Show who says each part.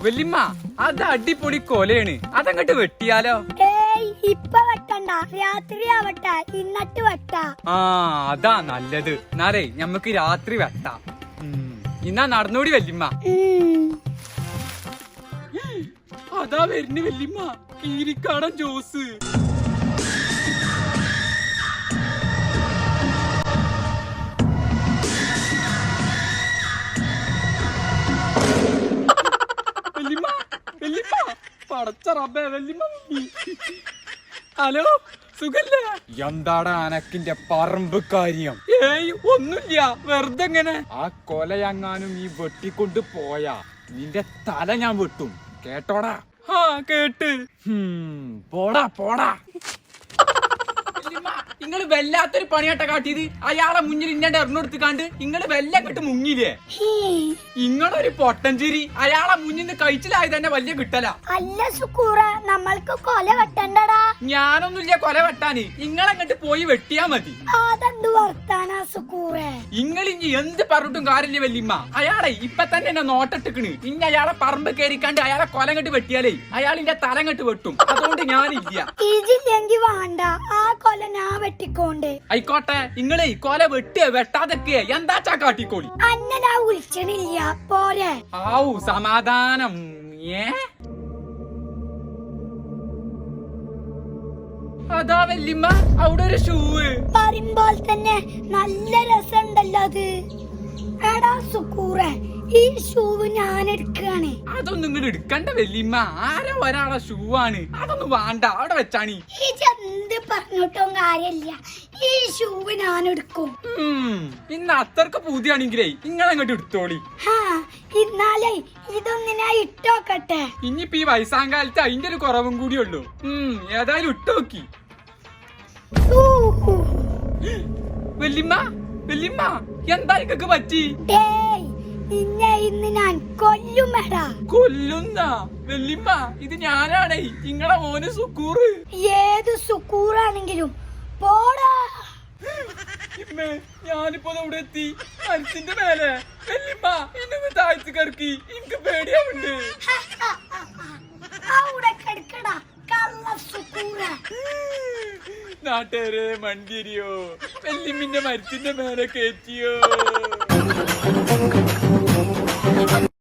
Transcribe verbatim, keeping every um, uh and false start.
Speaker 1: വല്യമ്മ അത് അടിപൊളി കൊലയാണ്, അതങ്ങട്ട് വെട്ടിയാലോ?
Speaker 2: ഏയ് ഇപ്പൊ വെട്ടണ്ട, രാത്രി ആവട്ടെ ഇന്നട്ട് വെട്ടാ.
Speaker 1: ആ അതാ നല്ലത്. എന്നാലേ ഞമ്മക്ക് രാത്രി വെട്ടാം. ഇന്നാ നടന്നോടി വല്യമ്മ. അതാ വരുന്നു വല്യമ്മ, കീരിക്കാടൻ ജോസ്. വല്യമ്മ വല്യമ്മ പടച്ച റബ്ബേ വല്യമ്മ. ഹലോ സുഖല്ലേ? എന്താടാ അനക്കിന്റെ പറമ്പ് കാര്യം? ഏയ് ഒന്നുമില്ല, വെറുതെ എങ്ങനെ. ആ കൊലയങ്ങാനും ഈ വെട്ടിക്കൊണ്ട് പോയാ നിന്റെ തല ഞാൻ വെട്ടും, കേട്ടോടാ? ആ കേട്ട്. പോടാ പോടാ. നിങ്ങള് വല്ലാത്തൊരു പണിയാട്ട കാട്ടിയത്. അയാളെ മുന്നിൽ ഇന്നെ എറിഞ്ഞെടുത്ത് കണ്ട് നിങ്ങള് വെല്ല കെട്ട് മുങ്ങില്ലേ? ഇങ്ങളൊരു പൊട്ടഞ്ചേരി. അയാളെ മുന്നിൽ നിന്ന് കഴിച്ചിലായി തന്നെ വലിയ കിട്ടല.
Speaker 2: അല്ല സുക്കൂറ, നമ്മൾക്ക് കൊല വെട്ടണ്ടടാ.
Speaker 1: ഞാനൊന്നുമില്ല കൊല വെട്ടാന്, ഇങ്ങളങ്ങട്ട് പോയി വെട്ടിയാ മതി.
Speaker 2: അതെന്ത് വർത്താനാ സുക്കൂറേ?
Speaker 1: ഇങ്ങളിഞ്ഞി എന്ത് പറഞ്ഞിട്ടും കാര്യമില്ല വല്യമ്മ. അയാളെ ഇപ്പൊ തന്നെ എന്നെ നോട്ടിട്ടിക്കണ്. ഇനി അയാളെ പറമ്പ് കയറിക്കാണ്ട് അയാളെ കൊലങ്ങട്ട് വെട്ടിയാലേ അയാളിന്റെ തലങ്ങട്ട് വെട്ടും. അതുകൊണ്ട് ഞാനില്ല.
Speaker 2: ഇതില്ലെങ്കി വേണ്ട, ആ കൊല ഞാൻ വെട്ടിക്കോണ്ട്.
Speaker 1: ആയിക്കോട്ടെ, ഇങ്ങളെ കൊല വെട്ടിയ വെട്ടാതൊക്കെ എന്താച്ചാ കാട്ടിക്കോളി.
Speaker 2: അന്നനാ വിളിച്ചണില്ല പോരെ.
Speaker 1: ആവു സമാധാനം. ഏ അതാ വല്യമ്മ അവിടെ ഒരു ഷൂവ്.
Speaker 2: പറയുമ്പോൾ തന്നെ നല്ല രസമുണ്ടല്ലോ അത്. എടാ സുക്കൂറെ, ഈ ഷൂവ് ഞാൻ എടുക്കാണ്.
Speaker 1: അതൊന്നും ഇങ്ങോട്ട് എടുക്കണ്ട വല്യമ്മ, ആരോ ഒരാളെ ഷൂ ആണ്. അതൊന്നും വേണ്ട, അവിടെ വെച്ചാണി.
Speaker 2: ഈ എന്ത് പറഞ്ഞിട്ടും കാര്യമില്ല, ഈ ഷൂവ് ഞാൻ എടുക്കും.
Speaker 1: ഇന്ന് അത്രക്ക് പൂതിയാണെങ്കിലേ ഇങ്ങളങ്ങോട്ട് എടുത്തോളി.
Speaker 2: ഇന്നാലേ ഇതൊന്ന് ഞാൻ ഇട്ടോക്കട്ടെ.
Speaker 1: ഇനിയിപ്പോ ഈ വയസ്സാങ്കാലത്ത് അതിന്റെ ഒരു കുറവും കൂടിയുള്ളൂ. ഉം ഏതായാലും ഇട്ടോക്കി. വല്യമ്മ വല്യമ്മ എന്താ ഇതൊക്കെ പറ്റി?
Speaker 2: നിന്നെ ഇന്ന് ഞാൻ കൊല്ലുമെടാ.
Speaker 1: കൊല്ലുന്ന വല്യമ്മ, ഇത് ഞാനാണേ നിങ്ങളെ മോന് സുക്കൂറ്.
Speaker 2: ഏത് സുക്കൂറാണെങ്കിലും പോടാ.
Speaker 1: ഞാനിപ്പോ അവിടെ എത്തി, മരത്തിന്റെ മേലെ. വല്യമ്മ ഇന്നൊന്ന് താഴ്ത്തി കിടക്കി, എനിക്ക് പേടിയാവുണ്ട്.
Speaker 2: അവിടെ കിടക്കടാ കള്ള സുക്കൂറ.
Speaker 1: നാട്ടുകാരെ മണ്ടിരിയോ, വല്യമ്മിന്റെ മരത്തിന്റെ മേലെ കയറ്റിയോ?